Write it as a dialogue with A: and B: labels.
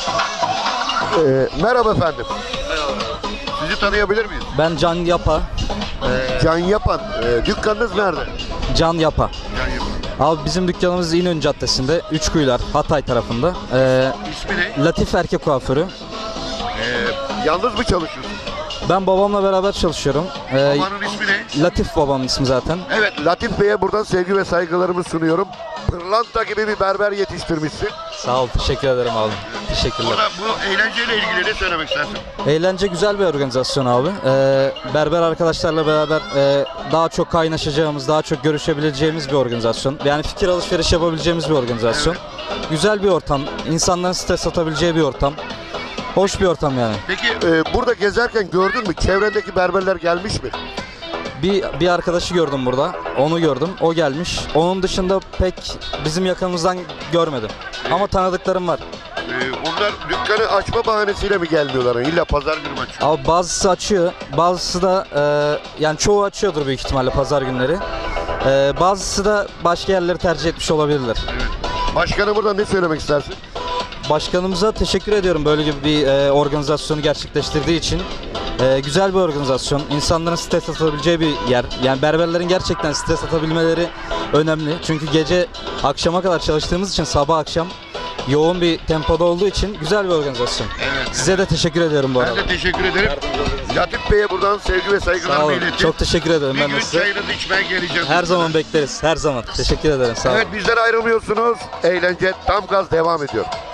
A: Merhaba efendim. Sizi tanıyabilir miyiz?
B: Ben Can Yapa.
A: Can Yapan. Dükkanınız nerede?
B: Can Yapa.
A: Can Yapan.
B: Abi bizim dükkanımız İnönü Caddesi'nde, Üçkuyular, Hatay tarafında.
A: İsmi ne?
B: Latif Erkek Kuaförü.
A: Yalnız mı çalışıyorsun?
B: Ben babamla beraber çalışıyorum.
A: Babanın ismi ne?
B: Latif babamın ismi zaten.
A: Evet, Latif Bey'e buradan sevgi ve saygılarımı sunuyorum. Pırlanta gibi bir berber yetiştirmişsin.
B: Sağ ol, teşekkür ederim abi. Teşekkürler.
A: Burada bu eğlenceyle ilgili ne söylemek istersin?
B: Eğlence güzel bir organizasyon abi. Berber arkadaşlarla beraber daha çok kaynaşacağımız, daha çok görüşebileceğimiz bir organizasyon. Yani fikir alışveriş yapabileceğimiz bir organizasyon. Güzel bir ortam, insanların stres atabileceği bir ortam. Hoş bir ortam yani.
A: Peki burada gezerken gördün mü? Çevrendeki berberler gelmiş mi?
B: Bir arkadaşı gördüm burada. Onu gördüm. O gelmiş. Onun dışında pek bizim yakınımızdan görmedim. Ama tanıdıklarım var.
A: Onlar dükkanı açma bahanesiyle mi gelmiyorlar? İlla pazar günü mü açıyor?
B: Ama bazısı açıyor. Bazısı da yani çoğu açıyordur büyük ihtimalle pazar günleri. Bazısı da başka yerleri tercih etmiş olabilirler.
A: Evet. Başkanı burada ne söylemek istersin?
B: Başkanımıza teşekkür ediyorum böyle gibi bir organizasyonu gerçekleştirdiği için. Güzel bir organizasyon. İnsanların stres atabileceği bir yer. Yani berberlerin gerçekten stres atabilmeleri önemli. Çünkü gece akşama kadar çalıştığımız için sabah akşam yoğun bir tempoda olduğu için güzel bir organizasyon.
A: Evet.
B: Size de teşekkür ediyorum bu arada.
A: Ben de teşekkür ederim. Latif Bey'e buradan sevgi ve
B: Sağ
A: saygılarımı
B: olun.
A: iletin.
B: Çok teşekkür ederim
A: Bir
B: ben
A: gün
B: de size.
A: çayınızı içmeye geleceğim.
B: Her zaman bekleriz. Her zaman. Teşekkür ederim. Sağ olun.
A: Evet, bizden ayrılmıyorsunuz. Eğlence tam gaz devam ediyor.